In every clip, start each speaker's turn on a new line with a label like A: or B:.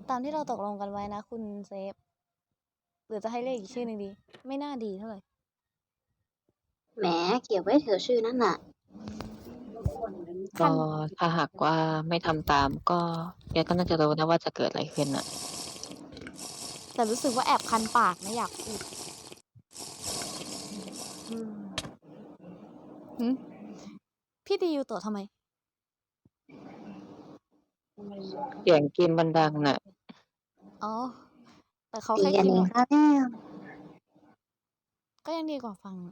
A: ตามที่เราตกลงกันไว้นะคุณเซฟ หรือจะให้เรียกอีกชื่อหนึ่งดี ไม่น่าดีเท่าไหร่
B: แหมเก็บไว้เถอะชื่อนั่นน่ะ
A: คั
C: ก็
A: น
C: ถ้าหากว่าไม่ทำตามก็แกก็น่าจะรู้นะว่าจะเกิดอะไรขึ้นน่ะ
A: แต่รู้สึกว่าแอบคันปากนะอยากพูด หืม พี่ตียูโตะทำไม
C: เสียงเกมมันดังน่ะ
A: อ๋อ แต่เขา
B: ตี
A: แค่
B: กัน
A: คิด
B: เอ
A: แบ
B: ง
A: บ
B: ซะแล้ว
A: ก็ยังดีกว่าฟัง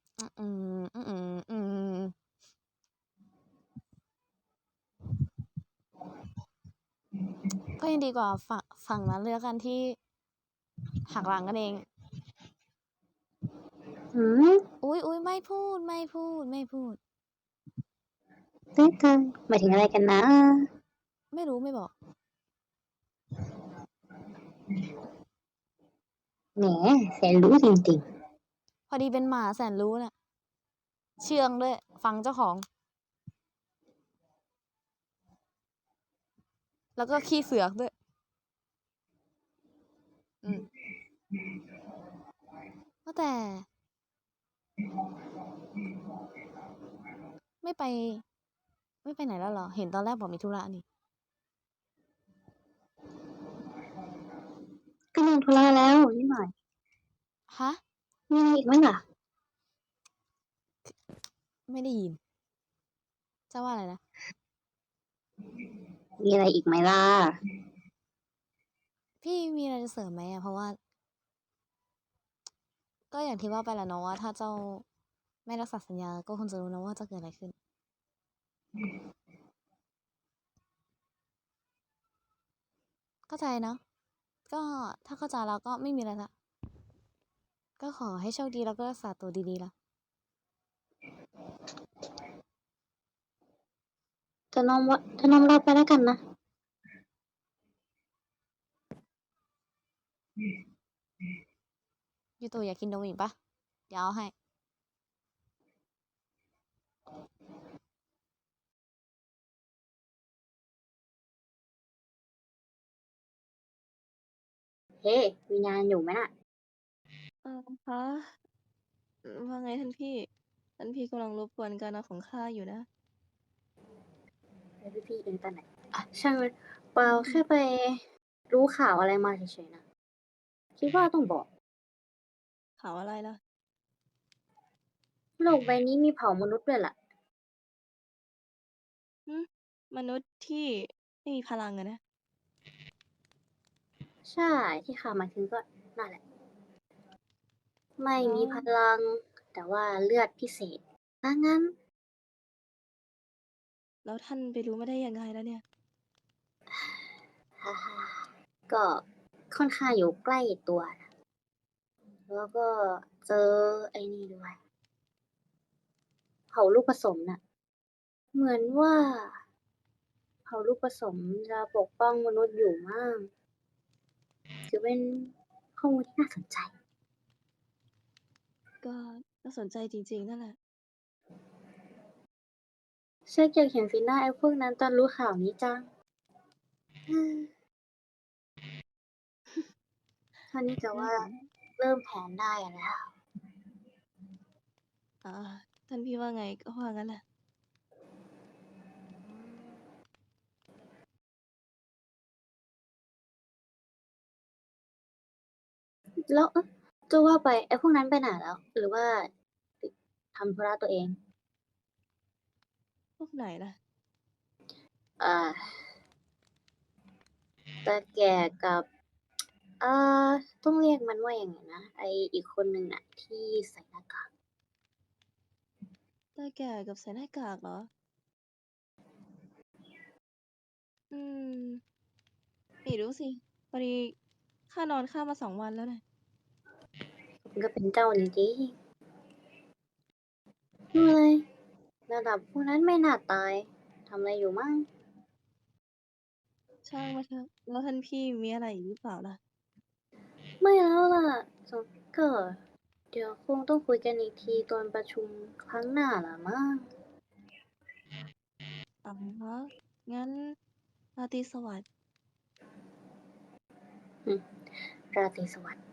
A: ก็ยังดีกว่าฝั่งนั้นเลยแล้วกันที่ หักหลังกันเอง
B: หือ
A: อุ๊ย ๆ ไม่พูด
B: ด้วยกัน หมายถึงอะไรกันนะ
A: ไม่รู้ ไม่บอก
B: แหมแสนรู้จริง ๆ
A: พอดีเป็นหมาแสนรู้น่ะ เชื่องด้วย ฟังเจ้าของ แล้วก็ขี้เสือกด้วย ว่าแต่ ไม่ไปไหนแล้วเหรอ เห็นตอนแรกบอกมีธุระนี่
B: ก็นอนธุระแล้วนิดหน่อย
A: ฮะ?
B: มีอะไรอีกไหมล่ะ?
A: ไม่ได้ยิน จะว่าอะไรนะ?
B: มีอะไรอีกไหมล่ะ?
A: พี่มีอะไรจะเสริมไหมอะ เพราะว่า ก็อย่างที่ว่าไปแหละเนาะว่า ถ้าเจ้าไม่รักษาสัญญา ก็คงจะรู้นะว่าจะเกิดอะไรขึ้น เข้าใจเนาะ ก็ถ้าเข้าใจแล้วก็ไม่มีอะไรแล้ว ก็ขอให้โชคดีแล้วก็รักษาตัวดีๆล่ะ
B: จะนอนรอไปแล้วกันนะ
A: ยูโตะอยากกินนมอีกเปล่า? เดี๋ยวเอาให้
B: เฮ้ มีงานอยู่ไหมน่ะ?
D: คะ ว่าไงท่านพี่ ท่านพี่กำลังรบกวนการนอนของข้าอยู่นะ
B: แล้วพี่เองตอนไหน? อะ ช่างมัน เปล่า แค่ไปรู้ข่าวอะไรมาเฉยๆน่ะ คิดว่าต้องบอก
D: ข่าวอะไรล่ะ?
B: โลกใบนี้มีเผ่ามนุษย์ด้วยล่ะ
D: หือ มนุษย์ที่ไม่มีพลังอะนะ?
B: ใช่ ที่ข้าหมายถึงก็นั่นแหละ ไม่
D: แล้
B: มีพลัง แต่ว่าเลือดพิเศษ ว่างั้น
D: แล้วท่านไปรู้มาได้ยังไงล่ะเนี่ย?
B: ก็ค่อนข้างอยู่ใกล้ตัวน่ะ แล้วก็เจอไอ้นี่ด้วย เผ่าลูกผสมน่ะ เหมือนว่า เผ่าลูกผสมจะปกป้องมนุษย์อยู่มั้ง ถือเป็นข้อมูลที่น่าสนใจ
D: ก็น่าสนใจจริง ๆ นั่นแหละ
B: ชักอยากเห็นสีหน้าไอ้พวกนั้นตอนรู้ข่าวนี้จัง เท่านี้จะว่า เริ่มแผนได้อะแล้ว
D: อ๋อ ท่านพี่ว่าไงก็ว่างั้นแหละ
B: แล้ว จะว่าไปไอ้พวกนั้นไปไหนแล้ว? หรือว่าติดทำธุระตัวเอง?
D: พวกไหนล่ะ?
B: ตาแก่กับ ต้องเรียกมันว่ายังไงนะ ไอ้อีกคนหนึ่งน่ะที่ใส่หน้ากาก
D: ตาแก่กับใส่หน้ากากเหรอ? ไม่รู้สิ พอดีข้านอนข้ามมา 2 วันแล้วน่ะ
B: มันก็เป็นเจ้าจริง ๆ เฮ้ย ระดับพวกนั้นไม่น่าตาย ทำอะไรอยู่มั่ง?
D: ช่างมันเถอะ แล้วท่านพี่มีอะไรอีกหรือเปล่าล่ะ?
B: ไม่แล้วล่ะ ก็เดี๋ยวคงต้องคุยกันอีกทีตอนประชุมครั้งหน้าล่ะมั้ง
D: อะฮะ งั้นราตรีสวัสดิ์
B: ราตรีสวัสดิ์